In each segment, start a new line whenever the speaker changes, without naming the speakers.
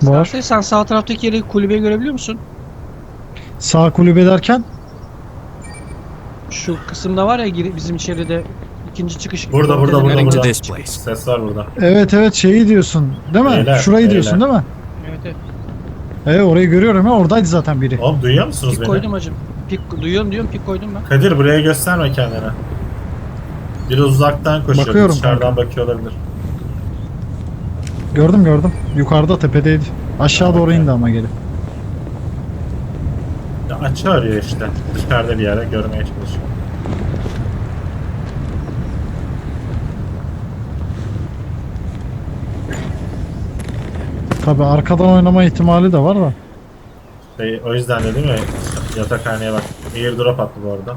Var.
Sen sağ taraftaki yeri, kulübeyi görebiliyor musun?
Sağ kulübe derken?
Şu kısımda var ya, bizim içeride ikinci çıkış.
Burada, burada,
Ortada
burada,
nereye
burada.
gidecek çıkış.
Ses var burada.
Evet şeyi diyorsun değil mi?
Beyler,
Şurayı
beyler.
diyorsun değil mi?
Evet evet.
Evet orayı görüyorum ya, oradaydı zaten biri.
Oğlum duyuyor musunuz
Pik
beni?
koydum hacım. Pik duyuyorum diyorum, pik koydum ben.
Kadir buraya gösterme kendini. Biraz uzaktan koşuyor.
Bakıyorum
Dışarıdan bakıyor olabilir.
Gördüm. Yukarıda tepedeydi. Aşağı doğru indi ama geri.
Ya açı arıyor işte. Dışarıda bir yere görmeye çalışıyor.
Tabi arkadan oynama ihtimali de var da.
O yüzden de değil mi? Yatakhaneye bak. Airdrop attı bu arada.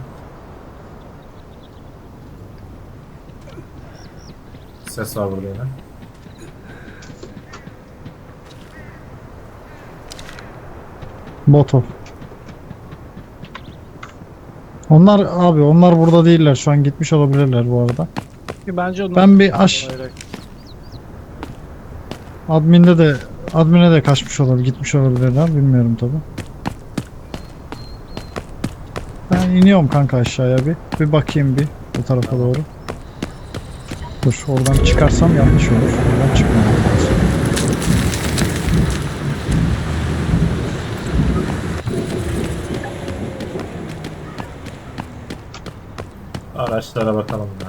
Ses var burada yine.
Botov. Onlar burada değiller, şu an gitmiş olabilirler bu arada.
Bence onlar...
Ben bir admine de kaçmış olabilir, gitmiş olabilirler, bilmiyorum tabi. Ben iniyorum kanka aşağıya bir bakayım bu tarafa doğru. Dur, oradan çıkarsam yanlış olur. Oradan çıkmam lazım.
Araçlara bakalım ya.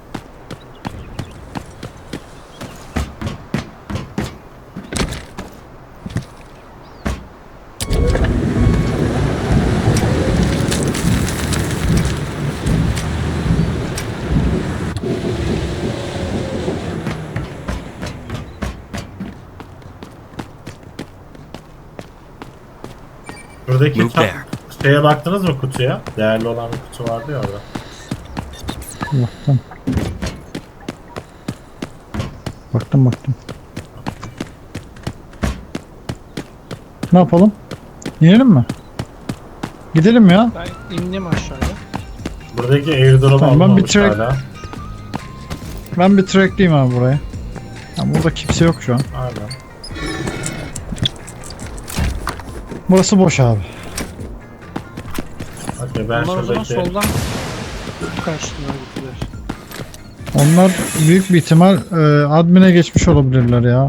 Buradaki
Move there.
şeye baktınız mı, kutuya? Değerli olan bir kutu vardı ya orada.
Baktım. Ne yapalım? İnelim mi? Gidelim ya.
Ben indim aşağıya.
Buradaki airdrop'u
Tamam, ben bir
almamış
track-
hala.
Ben bir trackliyim abi buraya. Ya burada kimse yok şu an.
Aynen.
Burası boş abi.
Hadi ben
Onlar o zaman
şuradaki...
soldan kaçtılar, gittiler.
Onlar büyük bir ihtimal admin'e geçmiş olabilirler ya.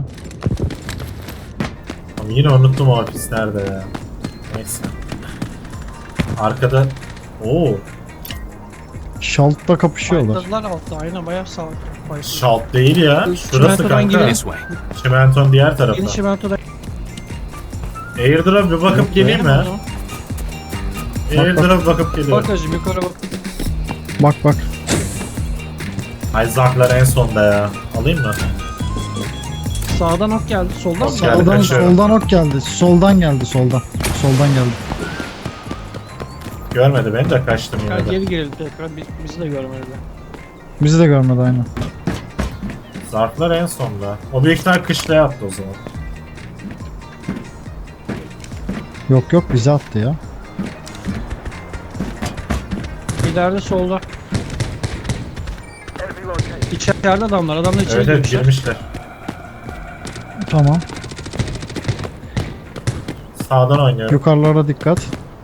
Ama yine unuttum o ofis nerede ya. Neyse. Arkada... Oo,
Şalt'ta kapışıyorlar.
Fightladılar altta, aynen bayağı sağ.
şalt değil ya. Şurası
Çimentodan
kanka.
gidelim.
This way.
Çimenton diğer tarafı.
Yeni çimentoda.
Airdrop bir bakıp geleyim mi? Airdrop bakıp geliyorum.
Bak hacım, yukarı bak.
Bak.
Ay zarflar en sonda ya. Alayım mı?
Sağdan ok geldi, soldan mı?
Ok geldi.
Soldan,
kaçıyorum.
soldan ok geldi. Soldan geldi. Soldan geldi.
Görmedi beni de kaçtım
Gel
yine de.
geri girelim tekrar, bizi de görmediler.
Bizi de görmedi aynen.
Zarflar en sonda. O büyük ihtimal kışlaya attı o zaman.
Yok bizi attı ya.
İleride solda. İçeride adamlar içeri
Evet
girmişler.
girmişler.
Tamam.
Sağdan oynuyorum.
Yukarılara dikkat.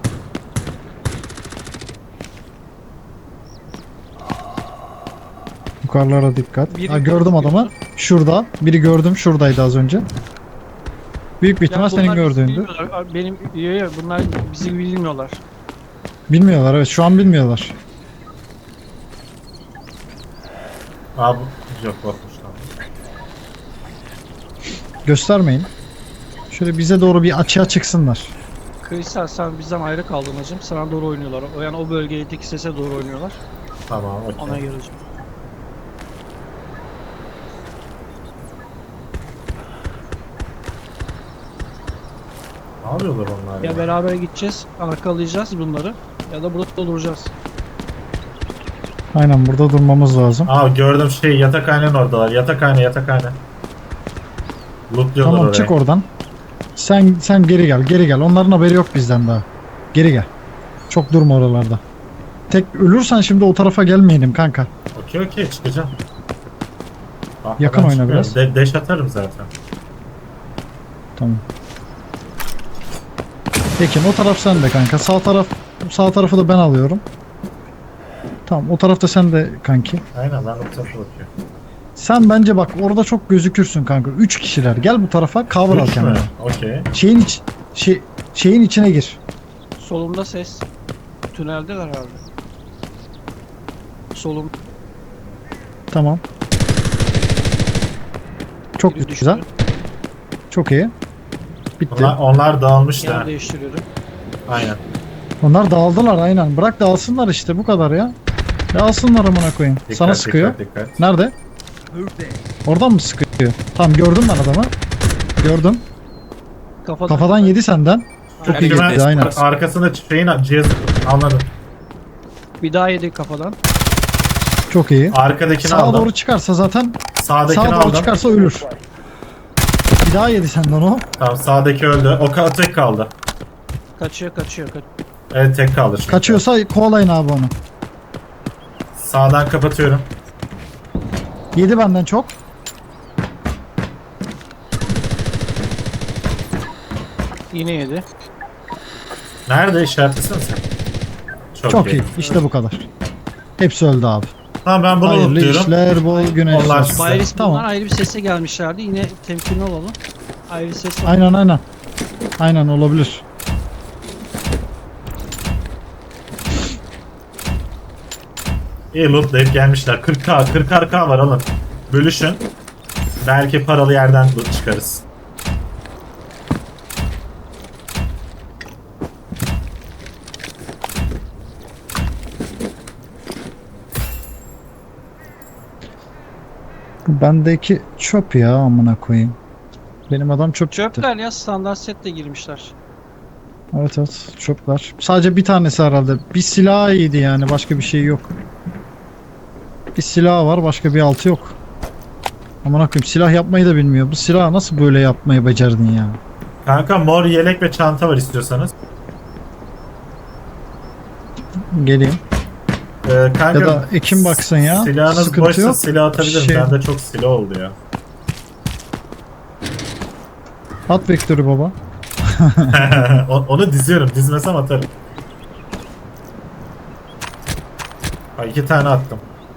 Yukarılara dikkat.
Biri
Ha, gördüm adamı. Şurada. Biri gördüm. Şuradaydı az önce. Büyük bir ihtimal senin
bunlar bizi
gördüğündü.
bilmiyorlar. Bunlar bizi bilmiyorlar.
Bilmiyorlar, evet, şu an bilmiyorlar.
Aa bu... Yok bakmışlar.
Göstermeyin. Şöyle bize doğru bir açığa çıksınlar.
Kristal, sen bizden ayrı kaldın hacım. Sana doğru oynuyorlar. Yani o bölgedeki sese doğru oynuyorlar.
Tamam
Ona
okey.
göre hacım.
Ne yapıyorlar onlar
Ya beraber gideceğiz, arkalayacağız bunları. Ya da burada duracağız.
Aynen, burada durmamız lazım.
Aa gördüm yatakhanenin oradalar. Yatakhane. Lootluyorlar
Tamam,
orayı.
çık oradan. Sen geri gel. Onların haberi yok bizden daha. Geri gel. Çok durma oralarda. Tek ölürsen şimdi o tarafa gelmeyelim kanka.
Okey çıkacağım. Bak,
Yakın
ben
oyna
çıkıyorum.
biraz.
Deş atarım zaten.
Tamam. Ekin o taraf sende kanka. Sağ tarafı da ben alıyorum. Tamam o tarafta sen de kanki.
Aynen ben de bu tarafa bakıyorum.
Sen bence bak orada çok gözükürsün kanka. 3 kişiler. Gel bu tarafa cover al
Üç mü?
kendine.
Okey.
Şeyin içine gir.
Solumda ses. Tüneldeler herhalde. Solum.
Tamam. Çok
Biri
güzel.
düştü.
Çok iyi. Bitti.
Onlar dağılmıştı.
Yer
ha.
değiştiriyorum.
Aynen.
Onlar dağıldılar aynen. Bırak dağılsınlar işte bu kadar ya. Dağılsınlar amına koyayım.
Dikkat,
Sana sıkıyor.
Dikkat.
Nerede? Oradan mı sıkıyor? Tamam gördüm ben adamı. Gördüm. Kafadan yedi senden. Çok iyi
Hemen
gitti aynen.
arkasında cihaz anladım.
Bir daha yedi kafadan.
Çok iyi.
Arkadakini
Sağa
aldım.
doğru çıkarsa zaten
Sağdakini
sağa doğru
aldım.
çıkarsa ölür. Bir daha yedi senden o.
Tamam sağdaki öldü. Tek kaldı.
Kaçıyor.
Evet tek kaldı şimdi.
Kaçıyorsa kovalayın abi onu.
Sağdan kapatıyorum.
Yedi benden çok.
Yine yedi.
Nerede işaretlesene sen?
Çok iyi. İşte bu kadar. Hepsi öldü abi.
Tamam ben bunu
Hayırlı
unutuyorum.
işler, bol güneşler.
Allah size.
Bayris
Tamam.
bunlar ayrı bir sese gelmişlerdi. Yine temkinli olalım. Ayrı bir ses var.
Aynen. Aynen olabilir.
İyi lootlayıp gelmişler. 40k var alın. Bölüşün. Belki paralı yerden loot çıkarız.
Bu bendeki çöp ya amına koyayım. Benim adam çöp çıktı.
Çöpler ya standart setle girmişler.
Evet çöpler. Sadece bir tanesi herhalde. Bir silah iyiydi yani başka bir şey yok. Bir silah var başka bir altı yok. Amına koyayım silah yapmayı da bilmiyor. Bu silahı nasıl böyle yapmayı becerdin ya?
Kanka mor yelek ve çanta var istiyorsanız.
Geleyim.
Kanka,
Ya da Ekim baksın ya.
Silahınız
Sıkıntı
boşsa
yok.
silah atabilirim.
Şey-
Bende çok silah oldu ya.
At vektörü baba.
Onu diziyorum. Dizmesem atarım. Ha, 2 tane attım.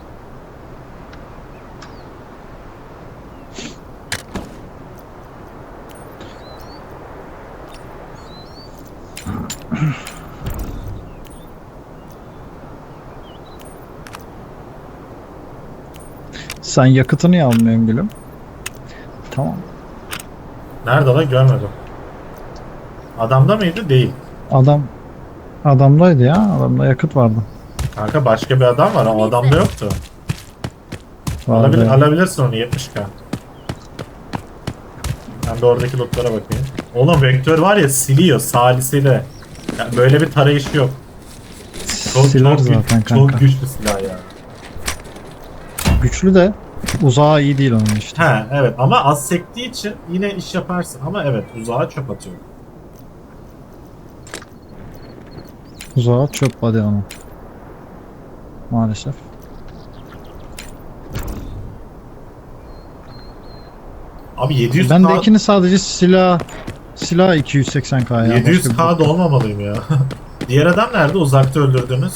Sen yakıtını niye almıyorsun gülüm? Tamam.
Nerede lan görmedim. Adamda mıydı? Değil.
Adamdaydı ya. Adamda yakıt vardı.
Kanka başka bir adam var. O adamda yoktu.
Vardı.
Alabilirsin onu 70k. Ben de oradaki lootlara bakayım. Oğlum vektör var ya siliyor salisiyle. Ya böyle bir tarayışı yok.
Siler zaten kanka.
Çok güçlü silah ya.
Güçlü de uzağa iyi değil onun işte.
He evet ama az sektiği için yine iş yaparsın. Ama evet uzağa çöp atıyor.
Uzağa çöp hadi onun. Maalesef.
Abi 700k,
Bendekini sadece silah 280k ya.
700k da olmamalıyım ya. Diğer adam nerede? Uzakta öldürdünüz.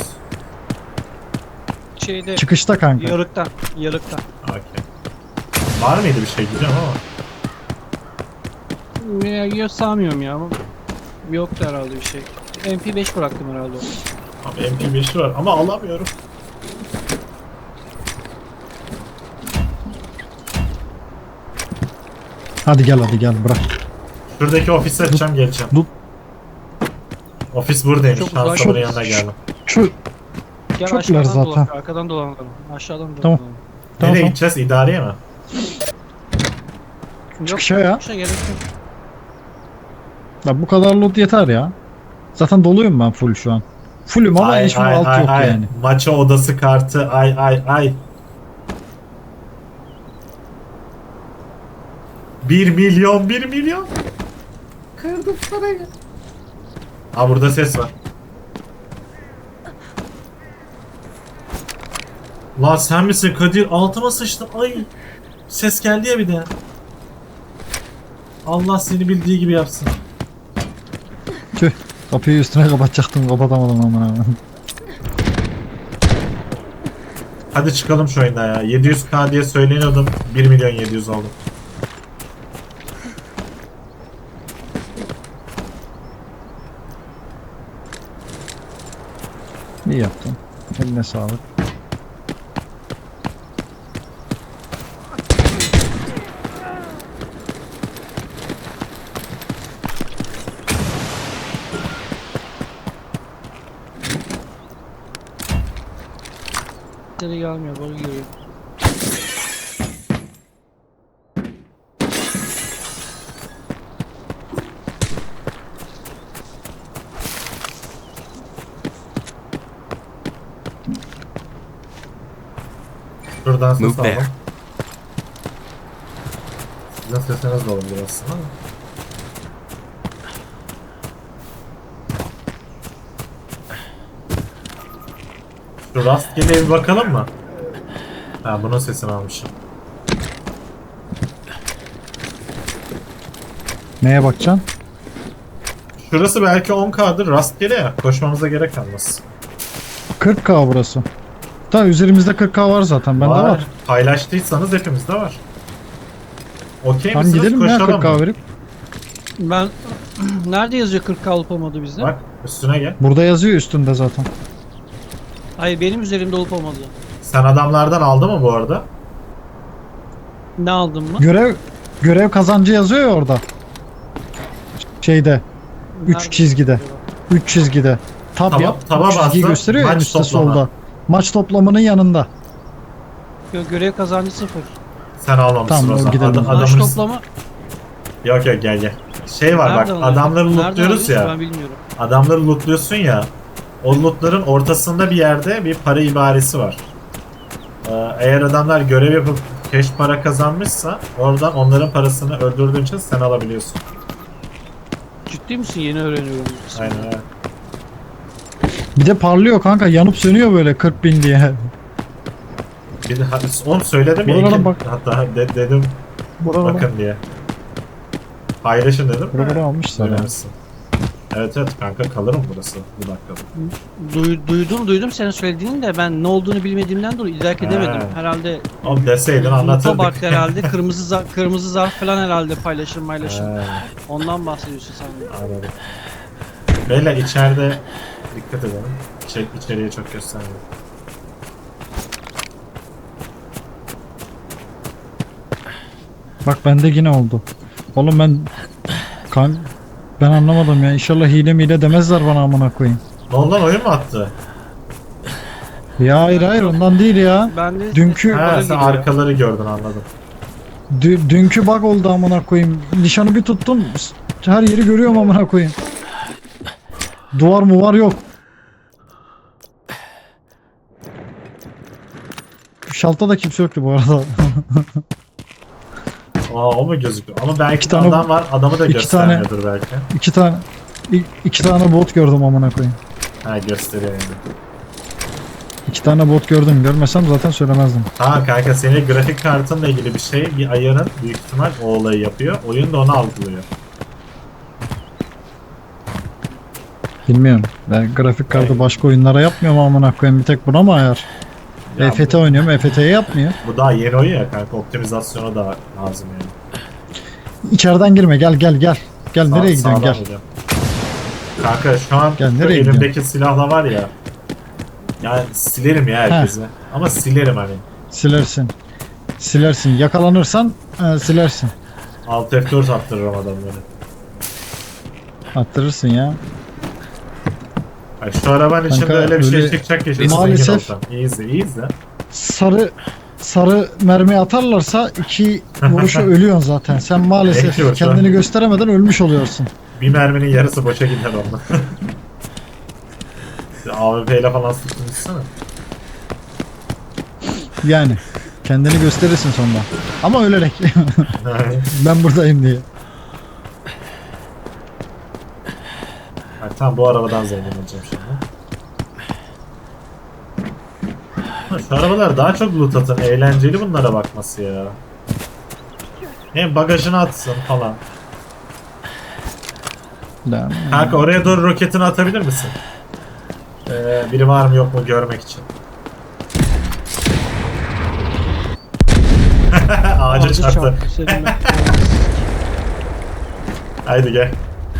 Şeyde
Çıkışta kanka.
yarıkta.
Okey. Var mıydı bir şey diyeceğim ama.
Ya sanmıyorum ya ama yoktu herhalde bir şey. MP5 bıraktım herhalde.
Abi MP5'i var ama alamıyorum.
Hadi gel bırak.
Şuradaki ofise açacağım geleceğim.
Dur.
Ofis buradaymış.
Çok uzak.
Şansımın yanına geldim.
Gel
Çöpler
aşağıdan
zaten.
dolan, arkadan dolanalım. Aşağıdan dolanalım.
Tamam.
Nereye
Tamam.
gideceğiz? İdareye mi?
Yok,
Çıkışa ya.
çıkışa gerek yok.
Ya bu kadar loot yeter ya. Zaten doluyum ben full şu an. Fullüm ama hiçbir alt yok yani.
Maça odası kartı ay. 1 milyon. Kırdım parayı. Aa burada ses var. Lan sen misin Kadir? Altıma sıçtım. Ay. Ses geldi ya bir de. Allah seni bildiği gibi yapsın.
Tüh. Kapıyı üstüne kapatacaktım. Kapatamadım amına.
Hadi çıkalım şu oyundan ya. 700k diye söyleniyordum. 1 milyon 700 oldu.
İyi yaptın. Eline sağlık.
Seni gelmiyor, bana geliyor.
Şuradan ses
Move
aldım.
there.
Sizin sesiniz de olabilir aslında ama. Şu rastgele bir bakalım mı? Ha, bunun sesini almışım.
Neye bakacaksın?
Şurası belki 10k'dır, rastgele ya. Koşmamıza gerek kalmaz.
40k burası. Da üzerimizde 40k var zaten. Bende var.
Paylaştıysanız hepimizde var. Okey
Tamam
misiniz?
gidelim ya
Koşalım
40k
mı?
verip.
Ben nerede yazıyor 40k olup olmadı bizde?
Bak üstüne gel.
Burada yazıyor üstünde zaten.
Hayır, benim üzerimde olup olmadı.
Sen adamlardan aldın mı bu arada?
Ne aldın mı?
Görev kazancı yazıyor ya orada. Şeyde. 3
Nerede?
çizgide. 3 çizgide. Tab
Taba-
yap.
taba
Üç çizgiyi
bastın,
gösteriyor ya en
maç
üstte
toplama.
solda. Maç toplamının yanında.
Görev kazancı 0.
Sen almamışsın
Tamam,
o zaman.
gidelim.
Maç
Adamın...
toplama.
Yok yok gel gel. Şey var
Nerede
bak,
alıyorsun?
adamları
Nerede
lootluyoruz
alıyorsun?
ya.
Ben bilmiyorum.
Adamları lootluyorsun ya. O lootların ortasında bir yerde bir para ibaresi var. Eğer adamlar görev yapıp cash para kazanmışsa oradan onların parasını öldürdüğün için sen alabiliyorsun.
Ciddi misin? Yeni öğreniyorum.
Aynen öyle.
Bir de parlıyor kanka. Yanıp sönüyor böyle 40.000 diye.
Bir de onu söyledim ya.
Buralara
ilk-
bak.
Hatta dedim
Buralara,
bakın diye. Paylaşın dedim.
buralara almışlar. ya.
Söylemişsin. Evet evet kanka, kalırım burası bu dakikada.
Duydum senin söylediğini de ben ne olduğunu bilmediğimden dolayı idrak edemedim.
He.
Herhalde
Oğlum deseydin
loot'a
anlatırdık.
baktı herhalde. Kırmızı zarf falan herhalde paylaşım.
He,
Ondan bahsediyorsun sen.
anladım. Beyler içeride dikkat edelim. İçeriye çok göstermeyin.
Bak bende yine oldu. Oğlum ben anlamadım ya. İnşallah hile demezler bana amına koyayım.
Ne oldu lan, oyun mu attı?
Ya hayır ondan değil ya.
Ben de
Dünkü-
Ha,
bana
sen
geliyor.
arkaları gördün, anladım.
Dünkü bug oldu amına koyayım. Nişanı bir tuttum. Her yeri görüyorum amına koyayım. Duvar mı var yok. Şalta da kimse yoktu bu arada.
Aa, o mu gözüküyor? Ama belki
İki
de
tane-
adam var, adamı da
iki
göstermiyordur belki.
iki tane bot gördüm amına koyayım.
Ha, gösteriyor yani.
2 tane bot gördüm. Görmesem zaten söylemezdim.
Ha kanka, senin grafik kartınla ilgili bir şey, bir ayarın büyük ihtimal o olayı yapıyor. Oyun da onu algılıyor.
Bilmiyorum. Ben grafik kartı başka oyunlara yapmıyorum amına koyayım. Bir tek buna mı ayar?
Ya
EFT oynuyorum. EFT'ye yapmıyor.
bu daha yeni oyun ya kanka, optimizasyonu da lazım yani.
İçeriden girme. Gel. Gel nereye gidiyorsun?
Sağdan
Gel.
gidiyorum. Kanka şu an
Gel,
şu
nereye
elimdeki silahla var ya. Yani silerim ya herkesi. Ama silerim hani.
Silersin. Yakalanırsan silersin.
Alt F4 attırırım adamları.
Attırırsın ya.
Ay, şu arabanın içinde
Kanka,
öyle bir şey
öyle-
çıkacak ya. Şimdi
Maalesef-
zengin olsam. İyi izle.
Sarı mermi atarlarsa 2 vuruşa ölüyorsun zaten. Sen maalesef
Belki o şu an.
kendini gösteremeden ölmüş oluyorsun.
Bir merminin yarısı boşa gider onunla. AWP ile falan sıkılmışsana.
Yani kendini gösterirsin sonra. Ama ölerek. Ben buradayım diye.
Tam bu arabadan zengin olacağım şimdi. Ha, şu arabalar daha çok loot atın. Eğlenceli bunlara bakması ya. Hem bagajına atsın falan. Kanka oraya doğru roketini atabilir misin? Biri var mı yok mu görmek için. Ağaca çarptı.
Senin ben-
Haydi gel.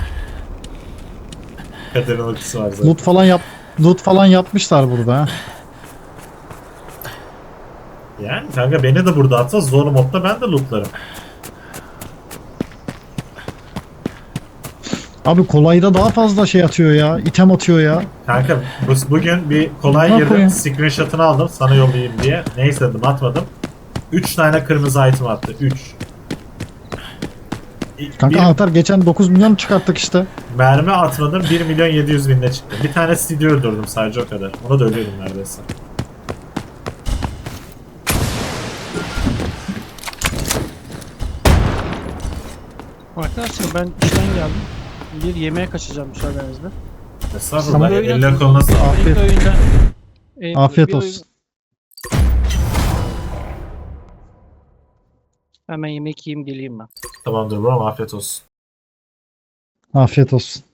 Kaderin ultisi var zaten.
Loot falan yapmışlar burada ha.
Yani kanka beni de burada atsa zor modda ben de lootlarım.
Abi kolayda daha fazla şey atıyor ya. İtem atıyor ya.
Kanka bugün bir kolay
Ne
girdim.
koyayım?
Screenshot'ını aldım sana yollayayım diye. Neyse dedim atmadım. 3 tane kırmızı item attı. 3.
Kanka atar geçen 9 milyon çıkarttık işte.
Mermi atmadım 1 milyon 700 binle çıktı. Bir tane CD öldürdüm sadece o kadar. Ona da ölüyordum neredeyse.
Arkadaşlar ben işten geldim. Bir yemeğe kaçacağım müsaadenizle.
Estağfurullah.
Tamam.
Eline koluna sağlık.
Afiyet.
İlk oyunda-
Afiyet
bir oyun-
olsun.
Hemen yemek yiyeyim geleyim ben.
Tamamdır bro afiyet olsun.
Afiyet olsun.